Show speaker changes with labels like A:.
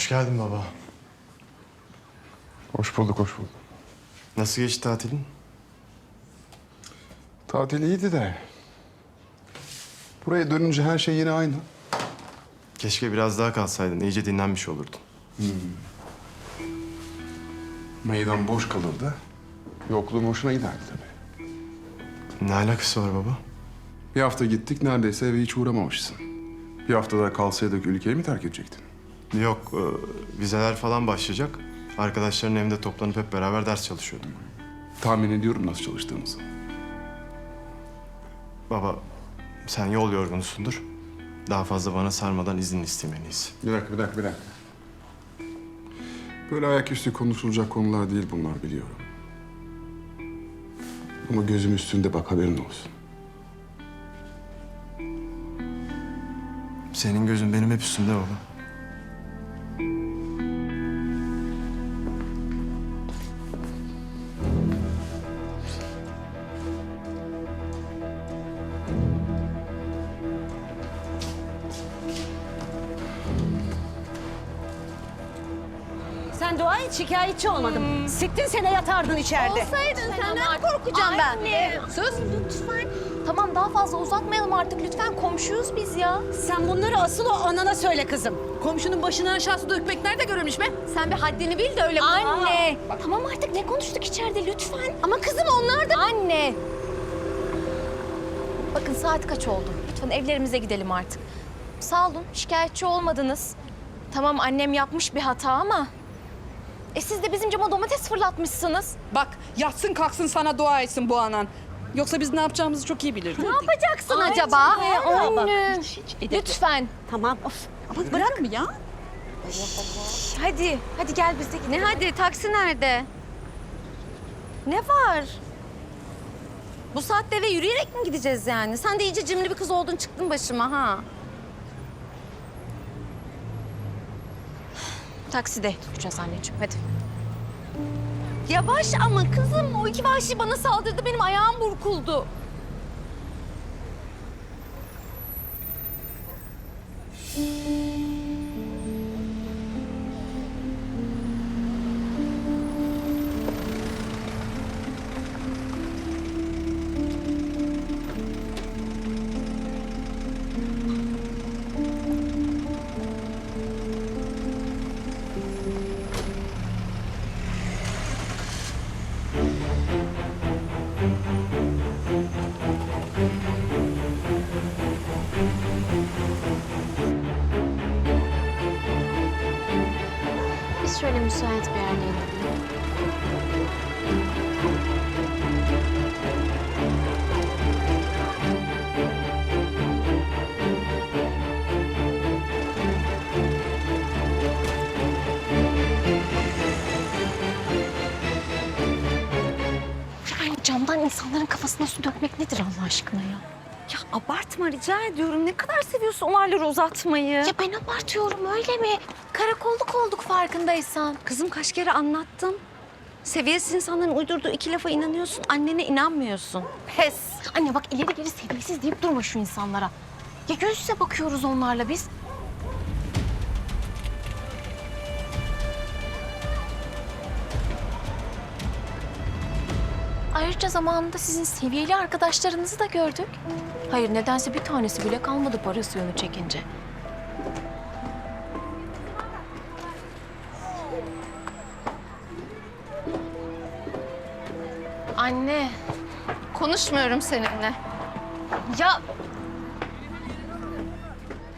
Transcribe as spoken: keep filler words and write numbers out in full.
A: Hoş geldin baba.
B: Hoş bulduk, hoş bulduk.
A: Nasıl geçti tatilin?
B: Tatil iyiydi de... buraya dönünce her şey yine aynı.
A: Keşke biraz daha kalsaydın. İyice dinlenmiş olurdun.
B: Meydan boş kalırdı. Yokluğum hoşuna giderdi tabii.
A: Ne alakası var baba?
B: Bir hafta gittik, neredeyse eve hiç uğramamışsın. Bir hafta daha kalsaydık ülkeyi mi terk edecektin?
A: Yok, e, vizeler falan başlayacak. Arkadaşların evinde toplanıp hep beraber ders çalışıyorduk.
B: Tahmin ediyorum nasıl çalıştığımızı.
A: Baba, sen yol yorgunusundur. Daha fazla bana sarmadan izin istemeliyiz.
B: Bir dakika, bir dakika, bir dakika. Böyle ayaküstü konuşulacak konular değil bunlar, biliyorum. Ama gözüm üstünde bak, haberin olsun.
A: Senin gözün benim hep üstümde baba.
C: Sen dua et, şikayetçi olmadım. Siktin sene yatardın içeride.
D: Olsaydın senden korkacağım ben.
C: Anne.
D: Sus. Lütfen. Tamam daha fazla uzatmayalım artık lütfen. Komşuyuz biz ya.
C: Sen bunları asıl o anana söyle kızım. Komşunun başına aşağısı dökmek nerede görülmüş be?
D: Sen bir haddini bil de öyle konuş. Anne. Tamam artık ne konuştuk içeride lütfen. Ama kızım onlar da... Anne. Bakın saat kaç oldu? Lütfen evlerimize gidelim artık. Sağ olun şikayetçi olmadınız. Tamam annem yapmış bir hata ama... E siz de bizim cama domates fırlatmışsınız.
E: Bak yatsın kalksın sana dua etsin bu anan. Yoksa biz ne yapacağımızı çok iyi biliriz.
D: Ne yapacaksın
C: Ay,
D: acaba?
C: Anne.
D: Anne. Lütfen.
C: Tamam, of. Ama bırak mı ya?
D: Hadi, hadi gel biz de gidelim. Ne hadi? Taksi nerede? Ne var? Bu saatte eve yürüyerek mi gideceğiz yani? Sen de iyice cimri bir kız oldun çıktın başıma ha. Takside tutacağız anneciğim hadi. Yavaş ama kızım o iki vahşi bana saldırdı benim ayağım burkuldu. Biz şöyle müsait bir yerde inelim. Yani camdan insanların kafasına su dökmek nedir Allah aşkına ya? Ya abartma rica ediyorum. Ne kadar seviyorsun olayları uzatmayı. Ya ben abartıyorum öyle mi? Karakolluk olduk farkındaysan. Kızım kaç kere anlattım. Seviyesiz insanların uydurduğu iki lafa inanıyorsun. Annene inanmıyorsun. Pes. Anne bak ileri geri seviyesiz deyip durma şu insanlara. Ya göz yüze bakıyoruz onlarla biz. Ayrıca zamanında sizin seviyeli arkadaşlarınızı da gördük. Hayır nedense bir tanesi bile kalmadı parası yönü çekince. Anne, konuşmuyorum seninle. Ya